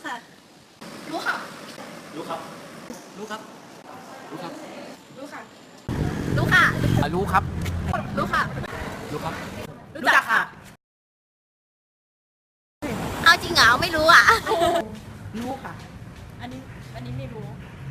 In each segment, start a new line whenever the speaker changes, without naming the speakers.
ค่ะ
รู้ค่ะ
รู้ครับ รู้ครับ รู้ครับ
รู้ค่ะ
รู้ค่ะ
รู้ครับ
รู้ค่ะ
รู้ครับ
รู้จักค่ะ
เอาจริงเหรอไม่รู้อ่ะ
รู้ค่ะ
อันนี้ไม่รู้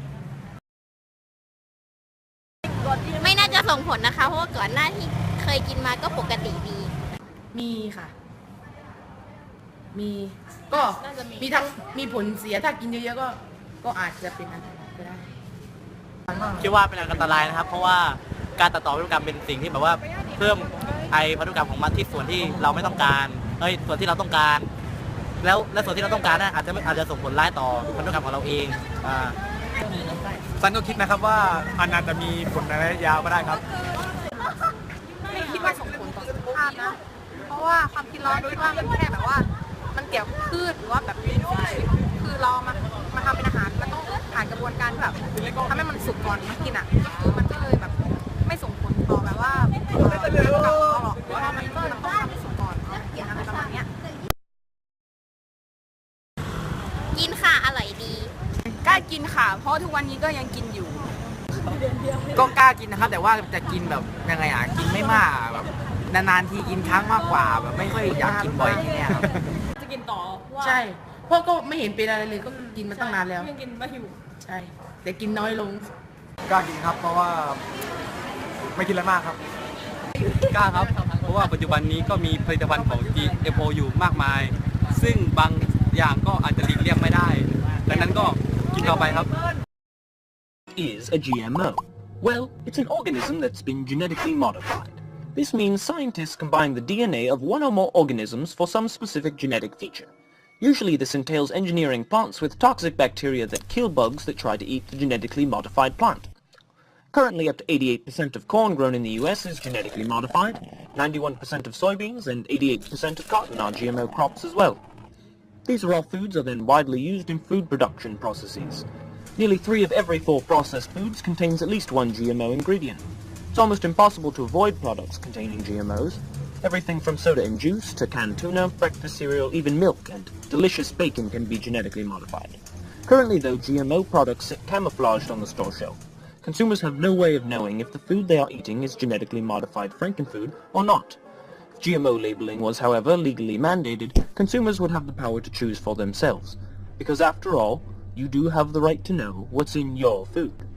ไม่น่าจะส่งผลนะคะ เพราะว่าก่อนหน้าที่เคยกินมาก็ปกติดี
มีค่ะ มีก็
น่าจะมี
มีทั้งมีผลเสียถ้ากินเยอะๆก็อาจจะเป็นอันตรายก็ได้
คิดว่าเป็นอันตรายนะครับ เพราะว่าการตัดต่อพันธุกรรมเป็นสิ่งที่แบบว่าเพิ่มไอพันธุกรรมของมันที่ส่วนที่เราไม่ต้องการส่วนที่เราต้องการ แล้วส่วนที่เราต้องการน่ะอาจจะส่งผลร้ายต่อพันธุกรรมของเราเองซันก็คิดนะครับว่ามันอาจจะมีผลในระยะยาวก็ได้ครับ
ไม่คิดว่าส่งผลต่อสุขภาพนะ เพราะว่าความคิดเราดูว่ามันแค่แบบว่า มันเกี่ยวกับพืชหรือว่าแบบเป็นสิ่งมีชีวิตคือเรามาทำเป็นอาหารมันต้องผ่านกระบวนการแบบทำให้มันสุกก่อนมากินอ่ะคือมันก็เลยแบบไม่ส่งผลต่อแบบว่ากับเราหรอกเพราะว่ามันต้องทำให้สุกก่อนกินอะไรประมาณเนี้ย
กินค่ะ อร่อยดี
กล้ากินค่ะ เพราะทุกวันนี้ก็ยังกินอยู่
ก็กล้ากินนะครับ แต่ว่าจะกินแบบยังไงอ่ะกินไม่มากอะแบบนานๆทีกินครั้งมากกว่าแบบไม่ค่อยอยากกินบ่อยอย่างเงี้ยครับ
จะกินต่อว่า
ใช่เพราะก็ไม่เห็นเป็นอะไรเลยก็กินมาตั้งนานแล้ว
ยังกินไม่หิว
ใช่ แต่กินน้อยลง
กล้ากินครับ เพราะว่าไม่กินอะไรมากครับ กล้าครับ เพราะว่าปัจจุบันนี้ก็มีผลิตภัณฑ์ของ GMO อยู่มากมาย ซึ่งบางอย่างก็อาจจะหลีกเลี่ยงไม่ได้ ดังนั้นก็กินต่อไปครับ
is a GMO? Well, it's an organism that's been genetically modified. This means scientists combine the DNA of one or more organisms for some specific genetic feature. Usually this entails engineering plants with toxic bacteria that kill bugs that try to eat the genetically modified plant. Currently up to 88% of corn grown in the US is genetically modified, 91% of soybeans and 88% of cotton are GMO crops as well. These raw foods are then widely used in food production processes. Nearly 3 of every 4 processed foods contains at least one GMO ingredient. It's almost impossible to avoid products containing GMOs. Everything from soda and juice to canned tuna, breakfast cereal, even milk and delicious bacon can be genetically modified. Currently though, GMO products sit camouflaged on the store shelf. Consumers have no way of knowing if the food they are eating is genetically modified frankenfood or not. If GMO labeling was, however, legally mandated, consumers would have the power to choose for themselves. Because after all, you do have the right to know what's in your food.